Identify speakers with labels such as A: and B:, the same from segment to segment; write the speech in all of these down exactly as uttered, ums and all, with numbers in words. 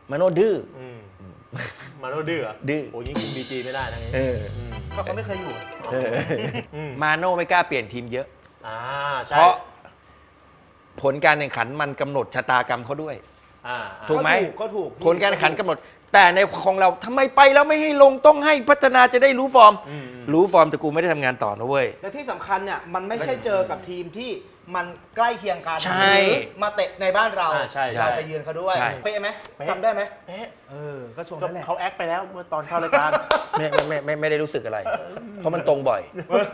A: มาโน่ดื้อ
B: มาโน่ดื้อ
A: ดื้อ
B: โอ้ยคุมบีจีไม่ได้ทั้งนี้
C: ก็เขาไม่เคยอยู่
A: มาโน่ไม่กล้าเปลี่ยนทีมเยอะเพ
B: ราะ
A: ผลการแข่งขันมันกำหนดชะตากรรมเขาด้วยถูกไหม
C: ก็ถูก
A: ผลการแข่งขันกำหนดแต่ในของเราทำไมไปแล้วไม่ให้ลงต้องให้พัฒนาจะได้รู้ฟอร์มรู้ฟอร์มแต่กูไม่ได้ทำงานต่อนะเว้ย
C: แต่ที่สำคัญเนี่ยมันไม่ใช่เจอกับทีมที่มันใกล้เคียงกัน
A: ใช่
C: มาเตะในบ้านเราเราไปเยือนเขาด้วยเป๊ะไหมจำได้ไหม
B: เป๊ะ
C: เออก็ส่งนั่นแหละ
B: เขาแอคไปแล้วเมื่อตอนเข้ารายการ
A: ไม่ไม่ไม่ไม่ได้รู้สึกอะไรเพราะมันตรงบ่อย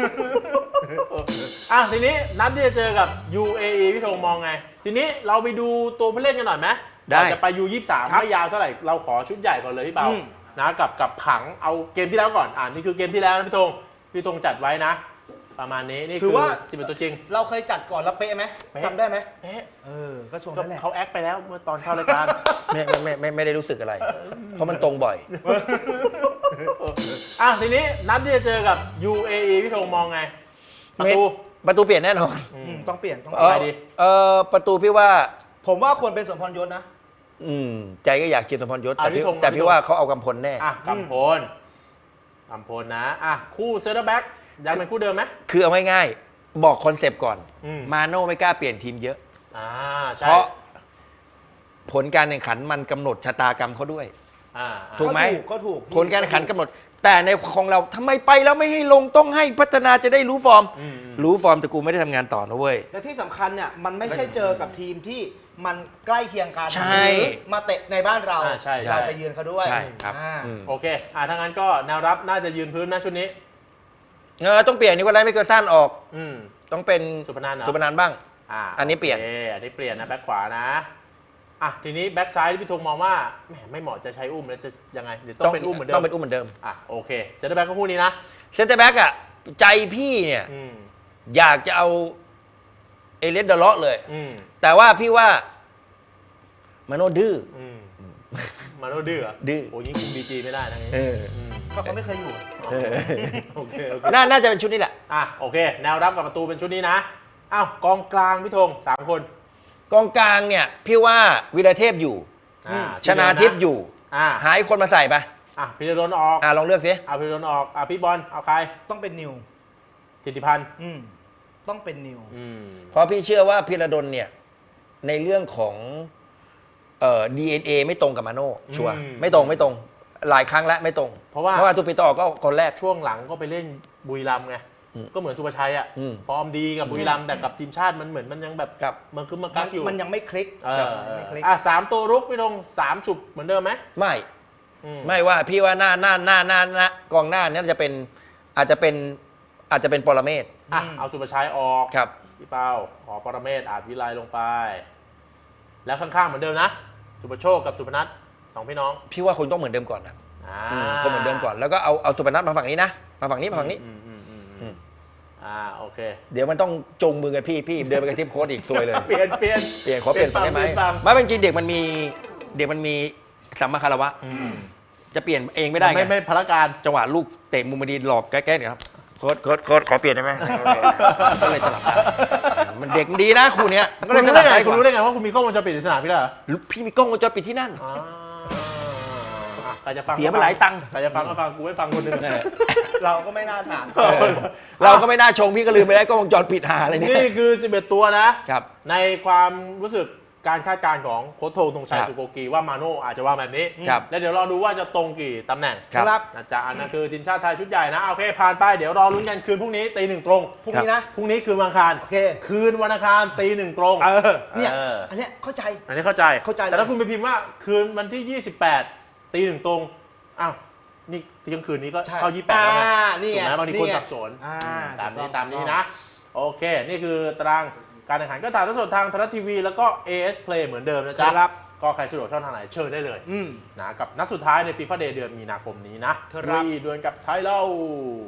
B: อ่ะทีนี้นัดที่จะเจอกับ ยู เอ อี พี่ธงมองไงทีนี้เราไปดูตัวผู้เล่นกันหน่อยไหม
A: ได้
B: จะไป ยู ยี่สิบสาม ไม่ยาวเท่าไหร่เราขอชุดใหญ่ก่อนเลยพี่เปานะกับกับผังเอาเกมที่แล้วก่อนอ่านี่คือเกมที่แล้วนะพี่ธงพี่ธงจัดไว้นะประมาณนี้นี่คือที่เป็นตัวจริง
C: เราเคยจัดก่อนแล้วเป๊ะไหมจำได้ไหม
B: เป๊ะ
C: เออก็ส่งนั่นแหละ
B: เขาแอคไปแล้วเมื่อตอนเข้ารายการ
A: ไม่ไม่ไม่ไม่ได้รู้สึกอะไรเพราะมันตรงบ่อย
B: อ่ะทีนี้นัดที่จะเจอกับ ยู เอ อี พี่ธงมองไงประตู
A: ประตูเปลี่ยนแน่นอน
C: ต้องเปลี่ยนต้อง
A: ไปดีเออประตูพี่ว่า
C: ผมว่าควรเป็นสมพรยศนะ
A: อืมใจก็อยากเชียร์สมพรยศแต่พี่แต่พี่ว่าเขาเอากำพลแน่
B: อ่ะกำพลกำพลนะอ่ะคู่เซนเตอร์แบ็กยังเป็นคู่เดิมไหม
A: คือเอาง่ายๆบอกคอนเซปต์ก่อนมาโน่ไม่กล้าเปลี่ยนทีมเยอะเพราะผลการแข่งขันมันกำหนดชะตากรรมเขาด้วยถูกไหม
C: ก็ถูก
A: ผลการแข่งขันกำหนดแต่ในของเราทำไมไปแล้วไม่ให้ลงต้องให้พัฒนาจะได้รู้ฟอร์มรู้ฟอร์มแต่กูไม่ได้ทำงานต่อนะเว้ย
C: แต่ที่สำคัญเนี่ยมันไม่ใช่เจอกับทีมที่มันใกล้เคียงกัน
A: ใช่
C: มาเตะในบ้านเราเราไปยืนเขาด้วย
A: ใช่ครับ
B: โอเคอ่าถ้างั้นก็แนวรับน่าจะยืนพื้นนะชุดนี้
A: เออต้องเปลี่ยนนี่ก็ได้ไม่เกินสั้นออกต้องเป็น
B: สุพนัน
A: สุพนันบ้าง
B: อ่า
A: อันนี้เปลี่ยน
B: อันนี้เปลี่ยนนะแบ็คขวานะอ่ะทีนี้แบ็คซ้ายที่พี่ธงมองว่าแหมไม่เหมาะจะใช้อุ้มแล้วจะยังไงเดี๋ยวต้องเป็นอุ้มเหมือนเดิม
A: ต้องเป็นอุ้มเหมือนเดิม
B: อ่ะโอเคเซนเตอร์แบ็คก็คู่นี้นะ
A: เซนเตอร์แบ็คอ่ะใจพี่เนี่ยอยากจะเอาเอเลสเดลเลาะเลยแต่ว่าพี่ว่ามาโน่ดื้อ
B: มาโน่ดื้อ
A: ดื้อ
B: โอ้ยคุมบีจีไม่ได้ทั้งนี้
C: ก็เขาไม่เคยอยู่
B: โอเค
A: น่าจะเป็นชุดนี้แหละ
B: อ่ะโอเคแนวรับกับประตูเป็นชุดนี้นะอ้าวกองกลางพี่ธงสามคน
A: กองกลางเนี่ยพี่ว่าวีรเทพอยู่ชนาทิพย์อยู่หายคนมาใส่ไป
B: อ่ะพีรดลออก
A: อ่ะลองเลือกสิ
B: อ่ะพีรดลออกอ่ะพี่บอลเอาใคร
C: ต้องเป็นนิว
B: ธิติพันธ์
C: อืมต้องเป็นนิว
A: เพราะพี่เชื่อว่าพีรดลเนี่ยในเรื่องของเอ่อ ดี เอ็น เอ ไม่ตรงกับมาโน่ชัวร์ไม่ตรงไม่ตรงหลายครั้งแล้วไม่ตรง
B: เพราะว่า
A: เพราะว่าตูปิโตก็คนแรก
B: ช่วงหลังก็ไปเล่นบุรีรัมย์ไงก็เหมือนสุภชัยอ่ะฟอร์มดีกับบุรีรัมย์แต่กับทีมชาติมันเหมือนมันยังแบบมันคือมันกักอยู่
C: มันยังไม่คลิก
B: อ่ะสามตัวรุกพี่ธงสามสุบเหมือนเดิมไหม
A: ไม่ไม่ว่าพี่ว่าหน้าหน้าหน้าหน้าหน้ากองหน้านี้จะเป็นอาจจะเป็นอาจจะเป็นปรเมศ
B: อ่ะเอาสุภชัยออก
A: ครับ
B: พี่เป้าขอปรเมศอาจวิไลลงไปแล้วข้างๆเหมือนเดิมนะสุภโชคกับสุพนัทสองพี่น้อง
A: พี่ว่าคงต้องเหมือนเดิมก่อนนะคงเหมือนเดิมก่อนแล้วก็เอาเอาสุพนัทมาฝั่งนี้นะมาฝั่งนี้มาฝั่งนี้
B: อ่าโอเค
A: เดี๋ยวมันต้องจงมือกันพี่พี่เดินไปกับทีมโค้ชอีกซวยเลย
B: เปลี่ยนเปลี่ยน
A: เปลี่ยนขอเปลี่ยนได้ไหมไม่เป็นจริงเด็กมันมีเด็กมันมีสัมมาคารวะจะเปลี่ยนเองไม่ได้ไง
B: ไม่ไม่พละการ
A: จังหวะลูกเตะมุมดีหลอกแก้ๆเนี่ยครับโค้ชโค้ชโค้ชขอเปลี่ยนได้ไหมก็เลยสลับมันเด็กดีนะคู่นี้
B: ก็เลยสลับได้คุณรู้ได้ไงว่าคุณมีกล้องวงจรปิดในสนามพี่ล่ะ
A: พี่มีกล้องวงจรปิดที่นั่นเสียไปหลายตังค์
B: ใครจะฟังก็ฟังกูไม่ฟังคนหนึ่ง
C: เราก็ไม่น่าถาม
A: เราก็ไม่น่าชงพี่ก็ลืมไปได้กล้องวงจรปิดหาอะไรนี่
B: นี่คือสิบเอ็ดตัวนะครับในความรู้สึกการคาดการณ์ของโค้ชโทธงชัยสุโกกีว่ามาโน่อาจจะวางแบบนี้แล้วเดี๋ยวรอดูว่าจะตรงกี่ตำแหน่ง
A: ครับ
B: นะจ๊ะอันนั้นคือทีมชาติไทยชุดใหญ่นะโอเคผ่านไปเดี๋ยวรอลุ้นกันคืนพรุ่งนี้ตีหนึ่งตรง
C: พรุ่งนี้นะ
B: พรุ่งนี้คืนวันอังคาร
C: โอเค
B: คืนวันอังคารตีหนึ่งตรง
C: เออเนี่ยอันเนี้ยเข้าใจ
B: อันนี้เข้าใจ
C: เข้าใจ
B: แต่ถ้าคุณไปพิมพ์ว่าคืนวันที่ยี่สิบแปดตีหนึ่งตรงอ้าวนี่เที่ยงคืนนี้ก็เข้ายี่สิบแปดแล้วไงถูกไหมบางทีคนสับสนตามนี้ตามนี้นะโอเคนี่คือตารางการแข่งขันก็ถ่ายทอดสดทางไทยรัฐทีวีแล้วก็ เอ เอส Play เหมือนเดิมนะจ๊ะก็ใครสะดวกช่องทางไหนเชิญได้เลยนะกับนัดสุดท้ายใน FIFA Day เดือนมีนาคมนี้นะรีดวลกับไทยเรา